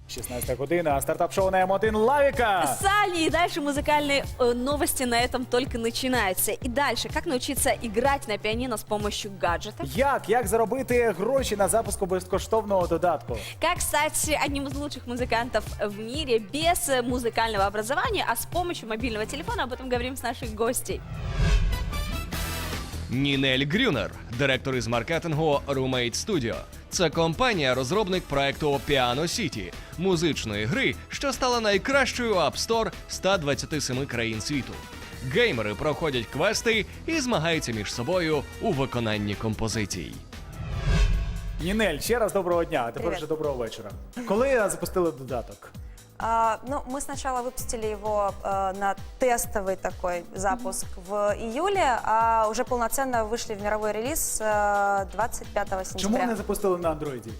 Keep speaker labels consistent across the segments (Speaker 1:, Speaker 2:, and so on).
Speaker 1: 16 година, стартап-шоу на М1 Лавика.
Speaker 2: Сани, и дальше музыкальные новости на этом только начинаются. И дальше, как научиться играть на пианино с помощью гаджетов?
Speaker 1: Як заробити гроші на запуску безкоштовного додатку?
Speaker 2: Как стать одним из лучших музыкантов в мире без музыкального образования, а с помощью мобильного телефона? Об этом говорим с нашей гостей.
Speaker 3: Нінель Грюнер, директор із маркетингу Roommate Studio. Це компанія-розробник проекту Piano City – музичної гри, що стала найкращою App Store 127 країн світу. Геймери проходять квести і змагаються між собою у виконанні композицій.
Speaker 1: Нінель, ще раз доброго дня, а тепер
Speaker 4: Привет.
Speaker 1: вже доброго вечора. Коли запустили додаток?
Speaker 4: Мы сначала выпустили его на тестовый такой запуск в июле, а уже полноценно вышли в мировой релиз 25
Speaker 1: Чому
Speaker 4: сентября.
Speaker 1: не запустили на андроїді?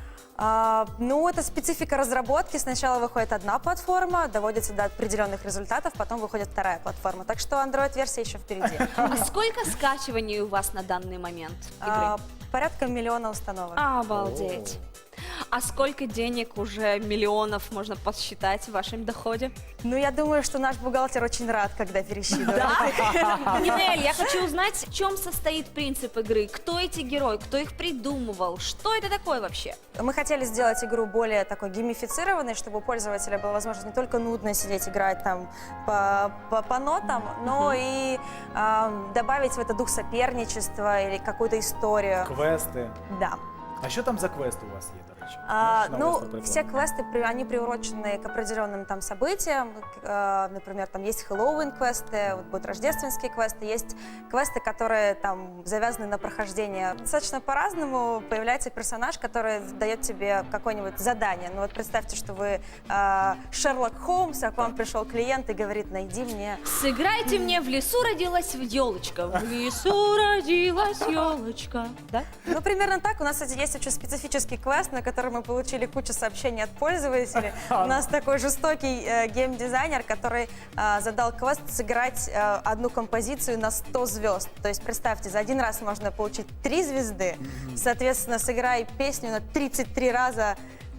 Speaker 4: Это специфика разработки. Сначала выходит одна платформа, доводится до определенных результатов, потом выходит вторая платформа. Так что Android-версия еще впереди.
Speaker 2: А сколько скачиваний у вас на данный момент игры?
Speaker 4: Порядка 1 миллиона установок.
Speaker 2: Обалдеть. А сколько денег уже миллионов можно посчитать в вашем доходе?
Speaker 4: Я думаю, что наш бухгалтер очень рад, когда пересчитывает.
Speaker 2: Нинель, я хочу узнать, в чем состоит принцип игры, кто эти герои, кто их придумывал, что это такое вообще?
Speaker 4: Мы хотели сделать игру более такой геймифицированной, чтобы у пользователя была возможность не только нудно сидеть, играть там по нотам, но и добавить в это дух соперничества или какую-то историю.
Speaker 1: Квести.
Speaker 4: Да.
Speaker 1: А що там за квести у вас є, до речі? Можеш навести приклад?
Speaker 4: Все квесты, они приурочены к определенным там событиям. Например, там есть Хэллоуин-квесты, вот будут рождественские квесты, есть квесты, которые там завязаны на прохождение. Достаточно по-разному появляется персонаж, который дает тебе какое-нибудь задание. Вот представьте, что вы Шерлок Холмс, а к вам пришел клиент и говорит: найди мне...
Speaker 2: Сыграйте мне «В лесу родилась елочка». В лесу родилась елочка. Да?
Speaker 4: Примерно так. У нас, кстати, есть очень специфический квест, на который мы получили кучу сообщений от пользователей. У нас такой жестокий геймдизайнер, который задал квест сыграть одну композицию на 100 звезд. То есть, представьте, за один раз можно получить 3 звезды. Соответственно, сыграй песню на 33 раза,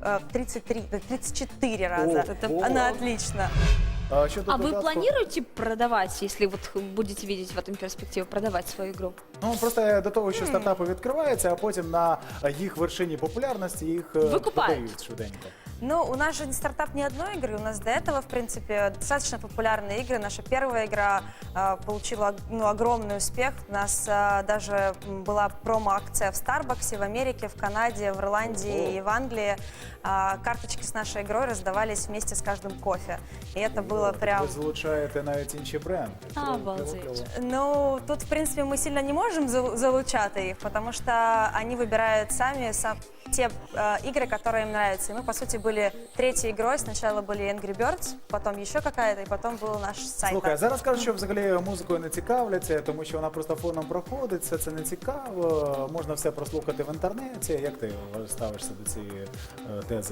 Speaker 4: 34 раза. Она отлично.
Speaker 2: А вы планируете продавать, если вот будете видеть в этом перспективу, продавать свою игру?
Speaker 1: Просто до того, що стартапи відкриваються, а потім на їх вершині популярності їх продають швиденько.
Speaker 4: У нас же не стартап ни одной игры, у нас до этого, в принципе, достаточно популярные игры. Наша первая игра получила огромный успех. У нас даже была промо-акция в Старбаксе, в Америке, в Канаде, в Ирландии и в Англии. Карточки с нашей игрой раздавались вместе с каждым кофе. И это было прям...
Speaker 1: Ви залучаєте навіть інші бренди.
Speaker 2: Обалдеть.
Speaker 4: Тут, в принципе, мы сильно не можем залучать их, потому что они выбирают сами те игры, которые им нравятся. И мы, по сути, были третьей игрой. Сначала были Angry Birds, потом еще какая-то, и потом был наш сайт.
Speaker 1: Слухай, зараз кажуть, що взагалі музикою не цікавляться, тому що вона просто фоном проходить, все це не цікаво, можна все прослухати в інтернеті. Як ти ставишся до цієї тези?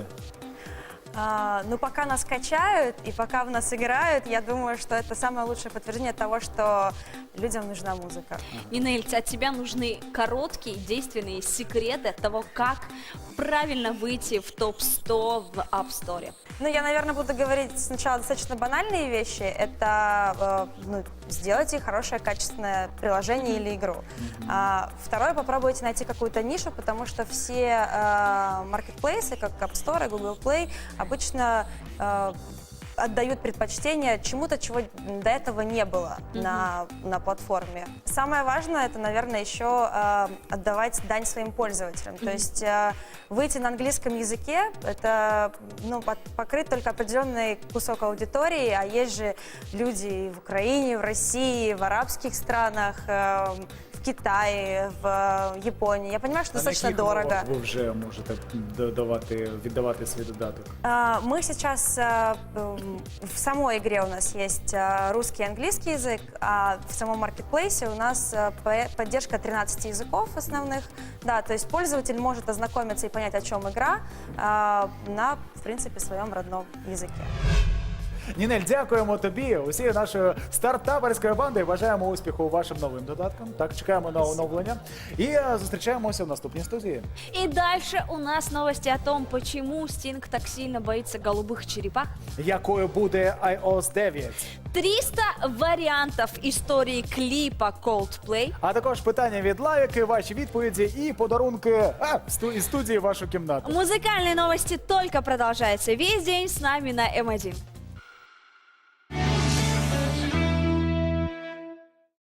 Speaker 4: Пока нас качают и пока в нас играют, я думаю, что это самое лучшее подтверждение того, что людям нужна музыка.
Speaker 2: Нинель, от тебя нужны короткие, действенные секреты того, как правильно выйти в топ-100 в App Store.
Speaker 4: Я, наверное, буду говорить сначала достаточно банальные вещи. Это сделайте хорошее, качественное приложение или игру. Второе, попробуйте найти какую-то нишу, потому что все маркетплейсы, как App Store, Google Play, обычно отдают предпочтение чему-то, чего до этого не было на платформе. Самое важное, это, наверное, еще отдавать дань своим пользователям. То есть выйти на английском языке, это покрыть только определенный кусок аудитории, а есть же люди в Украине, в России, в арабских странах, в Китае, в Японии. Я понимаю, что достаточно дорого.
Speaker 1: Ви вже можете віддавати свій додаток?
Speaker 4: Мы сейчас в самой игре у нас есть русский и английский язык, а в самом маркетплейсе у нас поддержка 13 языков основных. Да, то есть пользователь может ознакомиться и понять, о чем игра, на, в принципе, своем родном языке.
Speaker 1: Нінель, дякуємо тобі, усією нашою стартаперською бандою. Бажаємо успіху вашим новим додаткам. Так, чекаємо на оновлення. І зустрічаємося в наступній студії.
Speaker 2: И дальше у нас новости о том, почему Стинг так сильно боится голубых черепах.
Speaker 1: Якою буде iOS 9?
Speaker 2: 300 вариантов истории клипа Coldplay.
Speaker 1: А також питання від Лавіки, ваші відповіді і подарунки із студії в вашу кімнату.
Speaker 2: Музыкальные новости только продолжаются весь день с нами на М1.